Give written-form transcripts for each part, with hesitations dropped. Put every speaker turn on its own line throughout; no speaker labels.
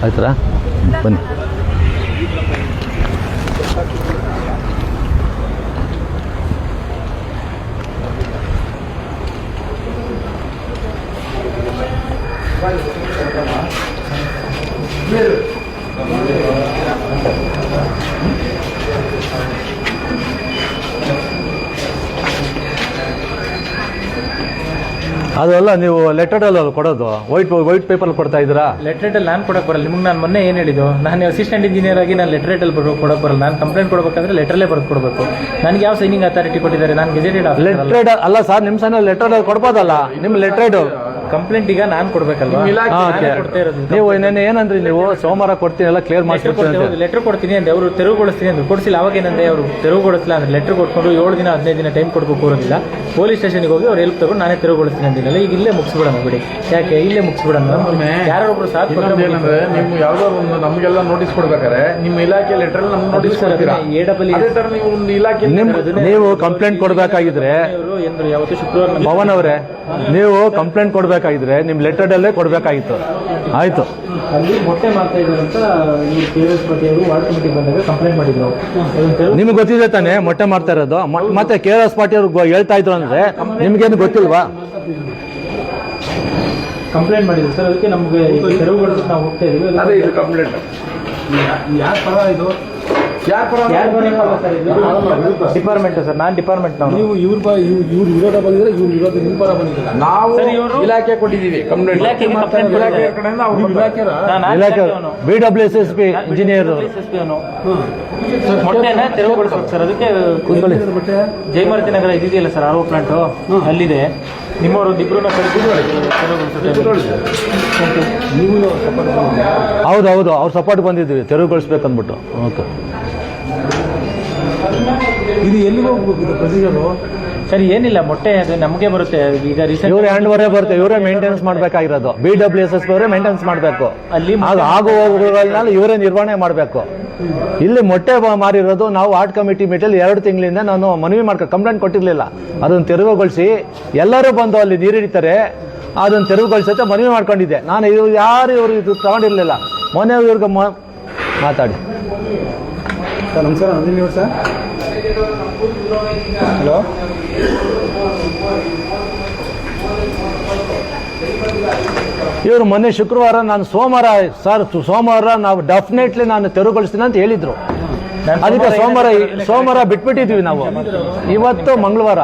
ಆಯ್ತಾ ಬನ್ನಿ. ಅದಲ್ಲ ನೀವು ಲೆಟರ್ಡಲ್ಲಿ ಕೊಡೋದು ವೈಟ್ ಪೇಪರಲ್ಲಿ ಕೊಡ್ತಾ ಇದ್ದೀರಾ?
ಲೆಟ್ರೇಟಲ್ಲಿ ನಾನು ಕೊಡಕ್ಕೆ ಬರಲ್ಲ. ನಿಮ್ಗೆ ನಾನು ಮೊನ್ನೆ ಏನು ಹೇಳಿದ್ದು, ನಾನು ಅಸಿಸ್ಟೆಂಟ್ ಇಂಜಿನಿಯರ್ ಆಗಿ ನಾನು ಲೆಟ್ರೇಟಲ್ಲಿ ಕೊಡಕ್ಕೆ ಬರಲ್ಲ. ನಾನು ಕಂಪ್ಲೇಂಟ್ ಕೊಡಬೇಕಂದ್ರೆ ಲೆಟ್ರಲ್ಲೇ ಬರೆದು ಕೊಡಬೇಕು. ನನಗೆ ಯಾವ ಸೈನಿಂಗ್ ಅಥಾರಿಟಿ ಕೊಟ್ಟಿದ್ದಾರೆ? ನಾನು ಗೆಜೆಟೆಡ್
ಲೆಟ್ರೇಡ್ ಅಲ್ಲ ಸರ್, ನಿಮ್ಮ ಸಣ್ಣ ಲೆಟರ್ಡಲ್ಲಿ ಕೊಡ್ಬೋದಲ್ಲ. ನಿಮ್ಮ ಲೆಟ್ರೇಡು
ಕಂಪ್ಲೇಂಟ್ ಈಗ ನಾನು ಕೊಡಬೇಕಲ್ವಾ?
ನೀವು ಇನ್ನೇನು ಏನಂದ್ರಿ ನೀವು ಸೋಮವಾರ ಕೊಡ್ತೀನಿ ಎಲ್ಲ ಕ್ಲಿಯರ್ ಮಾಡ್ಕೊಡ್ತೀನಿ.
ಲೆಟರ್ ಕೊಡ್ತೀನಿ ಅಂದ್ರೆ ಅವರು ತೆರವುಗೊಳಿಸ್ತೀನಿ ಅಂದ್ರೆ ಕೊಡಿಸಿಲ್ಲ. ಅವಾಗ ಏನಂದ್ರೆ ಅವರು ತೆರವುಗೊಳಿಸಿಲ್ಲ ಅಂದ್ರೆ ಲೆಟರ್ ಕೊಟ್ಕೊಂಡು 7 ದಿನ 15 ದಿನ ಟೈಮ್ ಕೊಡಬೇಕು ಇರೋದಿಲ್ಲ. ಪೊಲೀಸ್ ಸ್ಟೇಷನ್ಗೆ ಹೋಗಿ ಅವ್ರು ಹೆಲ್ಪ್ ತಗೊಂಡು ನಾನೇ ತೆರವುಗೊಳಿಸ್ತೀನಿ ಅಂದಿಲ್ಲ. ಈಗ ಇಲ್ಲೇ ಮುಗಿಸ್ಬಿಡೋಣ ಬಿಡಿ. ಯಾಕೆ ಇಲ್ಲೇ ಮುಗಿಸ್ಬಿಡೋಣ? ಯಾರೊಬ್ರು ಸಾಥ್ ಕೊಟ್ಟರೆ
ನೀವು ಯಾವುದೋ ಒಂದು ನಮಗೆಲ್ಲ ನೋಟಿಸ್ ಕೊಡ್ಬೇಕಾದ್ರೆ ನಿಮ್ಮ ಇಲಾಖೆ ಲೆಟರ್ ನಮ್ಗೆ ನೋಟಿಸ್ ಕೊಡ್ತೀರಾ? ನೀವು ಒಂದು ಇಲಾಖೆ
ನೀವು ಕಂಪ್ಲೇಂಟ್ ಕೊಡಬೇಕಾಗಿದ್ರೆ
ಯಾವತ್ತು ಶುಕ್ರವಾರ
ಪವನ್ ಅವರೇ, ನೀವು ಕಂಪ್ಲೇಂಟ್ ಕೊಡಬೇಕಾಗಿದ್ರೆ ನಿಮ್ಮ ಲೆಟರ್ಡಲ್ಲೇ ಕೊಡಬೇಕಾಗಿತ್ತು. ಆಯಿತು.
ಅಲ್ಲಿ ಮೊಟ್ಟೆ ಮಾಡ್ತಾ ಇದ್ದಾರೆ ಅಂತ KRS ಪಾಟೀಲ್ ಅವರು ವಾರ್ಡ್ ಕಮಿಟಿಗೆ ಬಂದಾಗ ಕಂಪ್ಲೇಂಟ್ ಮಾಡಿದ್ರು.
ನಿಮ್ಗೆ ಗೊತ್ತಿದೆ ತಾನೇ ಮೊಟ್ಟೆ ಮಾಡ್ತಾ ಇರೋದು? ಮತ್ತೆ KRS ಪಾಟೀಲ್ ಅವರು ಹೇಳ್ತಾ ಇದ್ರು ಅಂದ್ರೆ ನಿಮ್ಗೇನು ಗೊತ್ತಿಲ್ವಾ?
ಕಂಪ್ಲೇಂಟ್ ಮಾಡಿದ್ರು ಸರ್. ಅದಕ್ಕೆ ನಮಗೆ ತೆರವುಗೊಳಿಸಿ ನಾವು ಹೋಗ್ತಾ ಇದೀವಿ.
ಅದೇ ಇದು ಕಂಪ್ಲೇಂಟ್. ಯಾರ ಪರ ಇದು?
ಡಿಪಾರ್ಟ್ಮೆಂಟ್ ಸರ್, ನಾನು ಡಿಪಾರ್ಟ್ಮೆಂಟ್.
ನೀವು ಇವ್ರ ವಿರೋಧ ಬಂದಿದ್ರೆ ಇವ್ರ ವಿರೋಧ ನಿಮ್ಮ ಪರ ಬಂದಿಲ್ಲ. ನಾವು ಇಲಾಖೆ ಕೊಟ್ಟಿದ್ದೀವಿ ಕಂಪ್ಲೇಂಟ್.
ಇಲಾಖೆ
BWSSP ಇಂಜಿನಿಯರ್
ಮೊಟ್ಟೆನ ತೆರವುಗೊಳಿಸ್ಬೇಕು ಸರ್. ಅದಕ್ಕೆ ಜಯಮಾರುತಿ ನಗರ ಇದೆಯಲ್ಲ ಸರ್, RO ಪ್ಲಾಂಟು ಅಲ್ಲಿದೆ. ನಿಮ್ಮವರು ಇಬ್ಬರನ್ನ
ಹೌದೌದು, ಅವ್ರು ಸಪೋರ್ಟ್ ಬಂದಿದ್ವಿ ತೆರವುಗೊಳಿಸ್ಬೇಕಂದ್ಬಿಟ್ಟು. ಓಕೆ,
ಇದು ಎಲ್ಲಿಗೆ ಹೋಗ್ಬೇಕು ಇದು ಪ್ರೊಸೀಜರು?
ಸರಿ, ಏನಿಲ್ಲ, ಮೊಟ್ಟೆ ಅದು ನಮಗೆ ಬರುತ್ತೆ. ಈಗ
ಇವ್ರ ಹ್ಯಾಂಡ್ವರೇ ಬರುತ್ತೆ, ಇವರೇ ಮೇಂಟೆನೆನ್ಸ್ ಮಾಡಬೇಕಾಗಿರೋದು. BWSSP ಅವರೇ ಮೇಂಟೆನೆನ್ಸ್ ಮಾಡಬೇಕು.
ಅಲ್ಲಿ
ಆಗು ಹೋಗುಗಳನ್ನ ಇವರೇ ನಿರ್ವಹಣೆ ಮಾಡಬೇಕು. ಇಲ್ಲಿ ಮೊಟ್ಟೆ ಮಾರಿರೋದು ನಾವು ವಾರ್ಡ್ ಕಮಿಟಿ ಮೀಟಲ್ಲಿ 2 ತಿಂಗಳಿಂದ ನಾನು ಮನವಿ ಕಂಪ್ಲೇಂಟ್ ಕೊಟ್ಟಿರಲಿಲ್ಲ. ಅದನ್ನು ತೆರವುಗೊಳಿಸಿ ಎಲ್ಲರೂ ಬಂದು ಅಲ್ಲಿ ನೀರು ಹಿಡಿತಾರೆ, ಅದನ್ನು ತೆರವುಗೊಳಿಸುತ್ತೆ ಮನವಿ ಮಾಡ್ಕೊಂಡಿದ್ದೆ ನಾನು. ಇವರು ಇದು ತಗೊಂಡಿರಲಿಲ್ಲ. ಮೊನ್ನೆ ಇವ್ರಿಗೆ ಮಾತಾಡಿ.
ಸರ್ ನಮಸ್ಕಾರ, ನಂದಿನಿ ಅವ್ರು ಸರ್. ಹಲೋ,
ಇವರು ಮೊನ್ನೆ ಶುಕ್ರವಾರ ನಾನು ಸೋಮವಾರ ನಾವು ಡೆಫಿನೆಟ್ಲಿ ನಾನು ತೆರವುಗೊಳಿಸ್ತೀನಿ ಅಂತ ಹೇಳಿದ್ರು. ಅದಕ್ಕೆ ಸೋಮವಾರ ಬಿಟ್ಬಿಟ್ಟಿದ್ವಿ ನಾವು. ಇವತ್ತು ಮಂಗಳವಾರ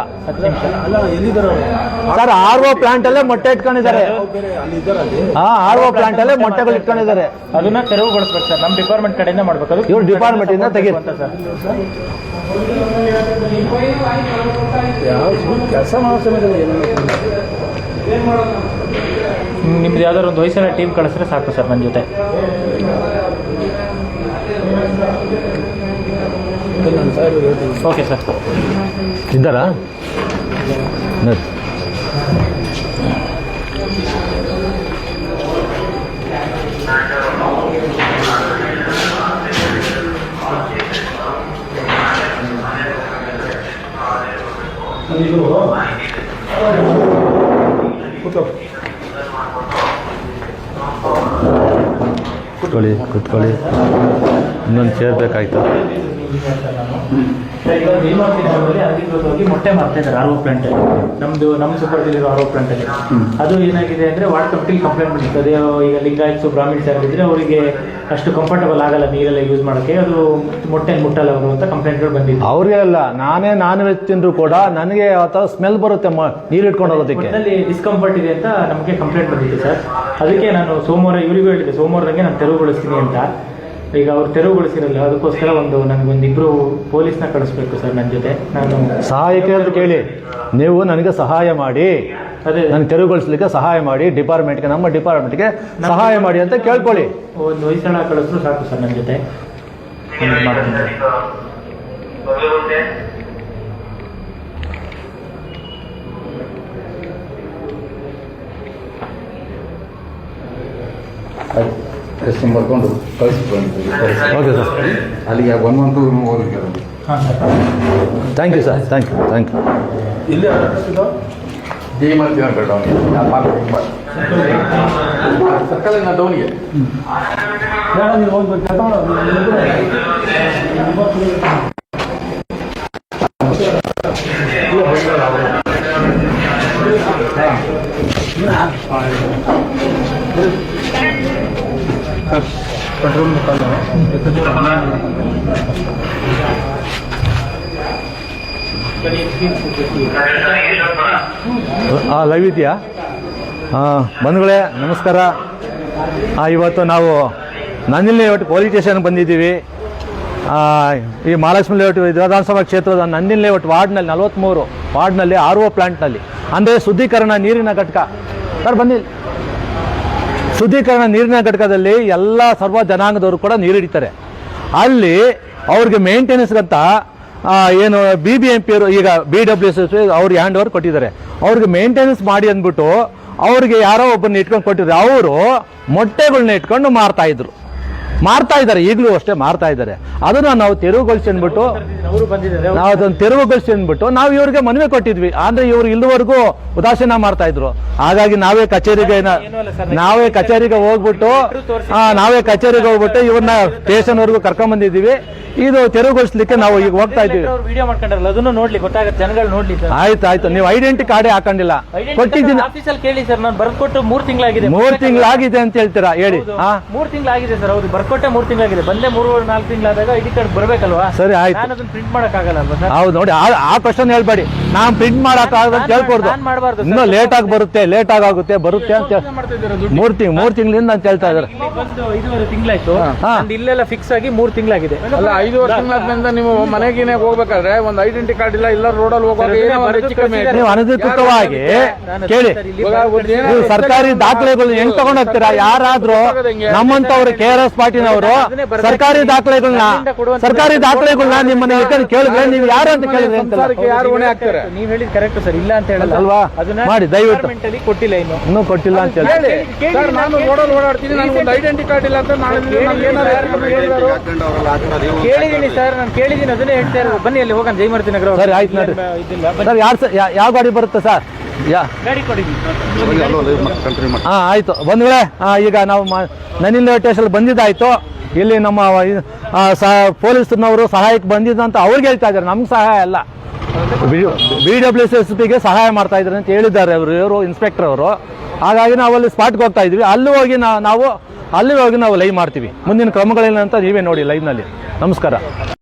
ಸರ್. RO ಪ್ಲಾಂಟ್ ಅಲ್ಲೇ ಮೊಟ್ಟೆ ಇಟ್ಕೊಂಡಿದ್ದಾರೆ. RO ಪ್ಲಾಂಟ್ ಅಲ್ಲೇ ಮೊಟ್ಟೆಗಳು ಇಟ್ಕೊಂಡಿದ್ದಾರೆ.
ಅದನ್ನ ತೆರವುಗೊಳಿಸ್ಬೇಕು ಸರ್. ನಮ್ಮ ಡಿಪಾರ್ಟ್ಮೆಂಟ್ ಕಡೆಯಿಂದ ಮಾಡ್ಬೇಕು.
ಇವ್ರು ಡಿಪಾರ್ಟ್ಮೆಂಟ್ ಇಂದ ತೆಗೆದು
ಕೆಲಸ ಮಾಡೋ ಸಮಯದಲ್ಲಿ
ನಿಮ್ದು ಯಾವ್ದಾದ್ರು ಒಂದು ಹೊಯ್ಸಳ ಟೀಮ್ ಕಳಿಸಿದ್ರೆ ಸಾಕು ಸರ್ ನನ್ನ ಜೊತೆ. Okay sir.
ಇದ್ದಾರಾ? ಕೂತ್ಕೊಳ್ಳಿ. ಇನ್ನೊಂದು ಚೇರ್ ಬೇಕಾಯ್ತು.
ಅಧಿಕೃತವಾಗಿ ಮೊಟ್ಟೆ ಮಾಡ್ತಾ ಇದ್ದಾರೆ RO ಪ್ಲಾಂಟ್ ಅಲ್ಲಿ. ನಮ್ಮ ಸುಪರ್ದಿರೋ RO ಪ್ಲಾಂಟ್ ಅಲ್ಲಿ. ಅದು ಏನಾಗಿದೆ ಅಂದ್ರೆ ವಾರ್ಡ್ ಕಮಿಟಿಲಿ ಕಂಪ್ಲೇಂಟ್ ಮಾಡಿರ್ತದೆ. ಈಗ ಲಿಂಗಾಯತ್ಸು ಬ್ರಾಹ್ಮಿಣ್ಸ್ ಯಾರಿದ್ರೆ ಅವರಿಗೆ ಅಷ್ಟು ಕಂಫರ್ಟಬಲ್ ಆಗಲ್ಲ ನೀರೆಲ್ಲ ಯೂಸ್ ಮಾಡೋಕ್ಕೆ. ಅದು ಮೊಟ್ಟೆ ಮುಟ್ಟಲ್ಲ ಅವರು ಅಂತ ಕಂಪ್ಲೇಂಟ್ಗಳು ಬಂದಿದೆ.
ಅವ್ರಿಗೆ ಅಲ್ಲ, ನಾನ್ ವೆಜ್ ತಿಂದ್ರು ಕೂಡ ನನಗೆ ಅಥವಾ ಸ್ಮೆಲ್ ಬರುತ್ತೆ ನೀರು ಇಟ್ಕೊಂಡು ಹೋಗೋದಕ್ಕೆ.
ಡಿಸ್ಕಂಫರ್ಟ್ ಇದೆ ಅಂತ ನಮಗೆ ಕಂಪ್ಲೇಂಟ್ ಬಂದಿದೆ ಸರ್. ಅದಕ್ಕೆ ನಾನು ಸೋಮವಾರ ಇವರಿಗೂ ಹೇಳಿದೆ, ಸೋಮವಾರದಂಗೆ ನಾನು ತೆರವುಗೊಳಿಸ್ತೀನಿ ಅಂತ. ಈಗ ಅವ್ರು ತೆರವುಗೊಳಿಸಿರಲ್ಲ, ಅದಕ್ಕೋಸ್ಕರ ನನಗೊಂದಿಬ್ರು ಪೊಲೀಸ್ನ ಕಳಿಸ್ಬೇಕು ಸರ್ ನನ್ನ ಜೊತೆ. ನಾನು
ಸಹಾಯಕ್ಕೆ ಅಂತ ಕೇಳಿ ನೀವು ನನಗೆ ಸಹಾಯ ಮಾಡಿ,
ಅದೇ
ನನಗೆ ತೆರವುಗೊಳಿಸ್ಲಿಕ್ಕೆ ಸಹಾಯ ಮಾಡಿ, ನಮ್ಮ ಡಿಪಾರ್ಟ್ಮೆಂಟ್ಗೆ ಸಹಾಯ ಮಾಡಿ ಅಂತ ಕೇಳ್ಕೊಳ್ಳಿ.
ಒಂದು ಹೊಯ್ಸಳ ಕಳಿಸ್ರು ಸಾಕು ಸರ್ ನನ್ನ ಜೊತೆ.
ಹೆಸರು ಬರ್ಕೊಂಡು ಕಳಿಸ್ಬಿಟ್ಟು
ಓಕೆ ಸರ್.
ಅಲ್ಲಿಗೆ 1 month ಓದಿದ್ದಾರೆ.
Thank you sir, thank you.
ಇಲ್ಲಿ ಜಯಮರ್ತಿ ನಗರ ಡೌನ್ಗೆ ಸರ್ಕಲಿನ ಡೌನ್ಗೆ ಪೆಟ್ರೋಲ್
ಲೈವ್ ಇದೆಯಾ? ಬಂಧುಗಳೇ ನಮಸ್ಕಾರ. ಇವತ್ತು ನಾವು ನಂದಿನಿ ಲೇಔಟ್ ಪೊಲೀಸ್ ಸ್ಟೇಷನ್ಗೆ ಬಂದಿದ್ದೀವಿ. ಈ ಮಹಾಲಕ್ಷ್ಮಿ ಲೇಔಟ್ ವಿಧಾನಸಭಾ ಕ್ಷೇತ್ರದ ನಂದಿನಿ ಲೇಔಟ್ ವಾರ್ಡ್ನಲ್ಲಿ 43 ವಾರ್ಡ್ನಲ್ಲಿ RO ಪ್ಲಾಂಟ್ನಲ್ಲಿ, ಅಂದರೆ ಶುದ್ಧೀಕರಣ ನೀರಿನ ಘಟಕ. ಸರ್ ಬನ್ನಿ. ಶುದ್ಧೀಕರಣ ನೀರಿನ ಘಟಕದಲ್ಲಿ ಎಲ್ಲ ಸರ್ವ ಜನಾಂಗದವರು ಕೂಡ ನೀರು ಹಿಡಿತಾರೆ. ಅಲ್ಲಿ ಅವ್ರಿಗೆ ಮೇಂಟೆನೆನ್ಸ್ಗಂತ ಏನು BBMP ಅವರು ಈಗ BWSS ಅವ್ರಿಗೆ ಹ್ಯಾಂಡ್ ಓವರ್ ಕೊಟ್ಟಿದ್ದಾರೆ. ಅವ್ರಿಗೆ ಮೇಂಟೆನೆನ್ಸ್ ಮಾಡಿ ಅಂದ್ಬಿಟ್ಟು ಅವ್ರಿಗೆ ಯಾರೋ ಒಬ್ಬರನ್ನ ಇಟ್ಕೊಂಡು ಕೊಟ್ಟಿದ್ರು. ಅವರು ಮೊಟ್ಟೆಗಳನ್ನ ಇಟ್ಕೊಂಡು ಮಾರ್ತಾ ಇದ್ದಾರೆ, ಈಗಲೂ ಅಷ್ಟೇ ಮಾರ್ತಾ ಇದ್ದಾರೆ. ಅದನ್ನ ನಾವು ತೆರವುಗೊಳಿಸಿ ಅಂದ್ಬಿಟ್ಟು ನಾವು ಅದನ್ನು ತೆರವುಗೊಳಿಸಿ ಅಂದ್ಬಿಟ್ಟು ನಾವು ಇವ್ರಿಗೆ ಮನವಿ ಕೊಟ್ಟಿದ್ವಿ. ಅಂದ್ರೆ ಇವ್ರು ಇಲ್ಲಿವರೆಗೂ ಉದಾಸೀನ ಮಾಡ್ತಾ ಇದ್ರು. ಹಾಗಾಗಿ ನಾವೇ ಕಚೇರಿಗೆ ಹೋಗ್ಬಿಟ್ಟು ಇವ್ರನ್ನ ಸ್ಟೇಷನ್ ವರ್ಗೂ ಕರ್ಕೊಂಡ್ ಬಂದಿದ್ದೀವಿ. ಇದು ತೆರವುಗೊಳಿಸ್ಲಿಕ್ಕೆ ನಾವು ಈಗ ಹೋಗ್ತಾ ಇದ್ದೀವಿ.
ವಿಡಿಯೋ ಮಾಡ್ಕೊಂಡ್ರಲ್ಲ, ಅದನ್ನು ನೋಡ್ಲಿ, ಗೊತ್ತಾಗುತ್ತೆ, ಜನಗಳು ನೋಡ್ಲಿ.
ಆಯ್ತು, ನೀವು ಐಡೆಂಟಿ ಕಾರ್ಡೇ ಹಾಕೊಂಡಿಲ್ಲ. ಕೊಟ್ಟಿದ್ದೀನಿ
ಆಫೀಸಲ್ಲಿ ಕೇಳಿ ಸರ್, ನಾನು ಬರ್ಕೊಟ್ಟು 3 ತಿಂಗಳಾಗಿದೆ.
3 ತಿಂಗಳಾಗಿದೆ ಅಂತ ಹೇಳ್ತೀರಾ? ಹೇಳಿ.
3 ತಿಂಗಳಾಗಿದೆ ಸರ್. ಹೌದು, ಬರ್ಕೊಟ್ಟೆ 3 ತಿಂಗಳಾಗಿದೆ. ಬಂದೆ 3-4 ತಿಂಗಳಾದಾಗ ಐಡಿ ಕಾರ್ಡ್ ಬರ್ಬೇಕಲ್ವಾ?
ಸರಿ, ಆಯ್ತು.
ನಾನು ಅದನ್ನ ಪ್ರಿಂಟ್ ಮಾಡಕ್ಕಾಗಲ್ಲ ಅಲ್ವಾ ಸರ್?
ಹೌದು, ನೋಡಿ, ಆ ಕ್ವಶನ್ ಹೇಳ್ಬೇಡಿ. ನಾನು ಪ್ರಿಂಟ್ ಮಾಡಕ್ಕಾಗಲ್ಲ ಅಂತ ಹೇಳ್ಕೊಡ್ದು. ಇನ್ನೂ ಲೇಟ್ ಆಗಿ ಬರುತ್ತೆ ಅಂತ 3 ತಿಂಗಳಿಂದ ಅಂತ ಹೇಳ್ತಾ ಇದ್ದಾರೆ.
5.5 ತಿಂಗಳಾಯ್ತು. ಇಲ್ಲೆಲ್ಲ ಫಿಕ್ಸ್ ಆಗಿ 3 ತಿಂಗಳಾಗಿದೆ.
ಅಲ್ಲ, 5 ತಿಂಗಳಿಂದ ನೀವು ಮನೆಗಿನೇ ಹೋಗ್ಬೇಕಾದ್ರೆ ಒಂದು ಐಡೆಂಟಿ ಕಾರ್ಡ್ ಇಲ್ಲ ರೋಡಲ್ಲಿ ಹೋಗುವಾಗ
ನೀವು ಅನಧಿಕೃತವಾಗಿ ಕೇಳಿ, ನೀವು ಸರ್ಕಾರಿ ದಾಖಲೆಗಳು ಹೆಂಗ್ ತಗೊಂಡ್ ಹೋಗ್ತೀರಾ? ಯಾರಾದ್ರೂ ನಮ್ಮಂತವ್ರು KRS ಪಾರ್ಟಿನವರು ಸರ್ಕಾರಿ ದಾಖಲೆಗಳನ್ನ ನಿಮ್ಮನ್ನ ಕೇಳಿದ್ರೆ ನೀವು ಯಾರು ಅಂತ ಕೇಳಿದ್ರೆ
ಯಾರು ಹೊಣೆ ಹಾಕ್ತಾರೆ?
ನೀವ್ ಹೇಳಿದ್ ಕರೆಕ್ಟ್ ಸರ್, ಇಲ್ಲ ಅಂತ ಹೇಳಲ್ಲ
ಅಲ್ವಾ? ಮಾಡಿ ದಯವಿಟ್ಟು.
ಕೊಟ್ಟಿಲ್ಲ, ಇನ್ನೂ
ಕೊಟ್ಟಿಲ್ಲ ಅಂತ ಹೇಳಿ.
ಸರ್, ನಾನು ರೋಡಲ್ಲಿ ಓಡಾಡ್ತೀನಿ, ನನಗೆ ಒಂದು ಐಡೆಂಟಿ ಕಾರ್ಡ್ ಇಲ್ಲ ಅಂತ ನಾಳೆ
ಕೇಳಿದೀನಿ ಸರ್, ನಾನು ಕೇಳಿದೀನಿ, ಅದನ್ನೇ ಹೇಳ್ತಾ ಇರೋದು. ಬನ್ನಿ ಅಲ್ಲಿ ಹೋಗೋಣ, ಜಯಮರ್ತಿ ನಗರ.
ಸರಿ, ಆಯ್ತು ನೋಡಿ. ಸರ್, ಯಾವ ಗಾಡಿ ಬರುತ್ತೆ ಸರ್?
ಗಾಡಿ ಕೊಡಿದ್ವಿ.
ಆಯ್ತು ಬಂಧುಗಳೇ, ಈಗ ನಾವು ನಂದಿನಿ ಲೇಔಟ್ ಸ್ಟೇಷನ್ ಬಂದಿದ್ದಾಯ್ತು. ಇಲ್ಲಿ ನಮ್ಮ ಪೊಲೀಸ್ನವರು ಸಹಾಯಕ್ಕೆ ಬಂದಿದ್ದಂತ ಅವ್ರಿಗೆ ಹೇಳ್ತಾ ಇದ್ದಾರೆ, ನಮ್ಗೆ ಸಹಾಯ ಅಲ್ಲ, BWSSPಗೆ ಸಹಾಯ ಮಾಡ್ತಾ ಇದ್ದಾರೆ ಅಂತ ಹೇಳಿದ್ದಾರೆ ಇವರು ಇನ್ಸ್ಪೆಕ್ಟರ್ ಅವರು. ಹಾಗಾಗಿ ನಾವು ಅಲ್ಲಿ ಸ್ಪಾಟ್ಗೆ ಹೋಗ್ತಾ ಇದ್ವಿ. ಅಲ್ಲಿ ಹೋಗಿ ನಾವು ಲೈವ್ ಮಾಡ್ತೀವಿ. ಮುಂದಿನ ಕ್ರಮಗಳೇನಂತ ನೀವೇ ನೋಡಿ ಲೈವ್ನಲ್ಲಿ. ನಮಸ್ಕಾರ.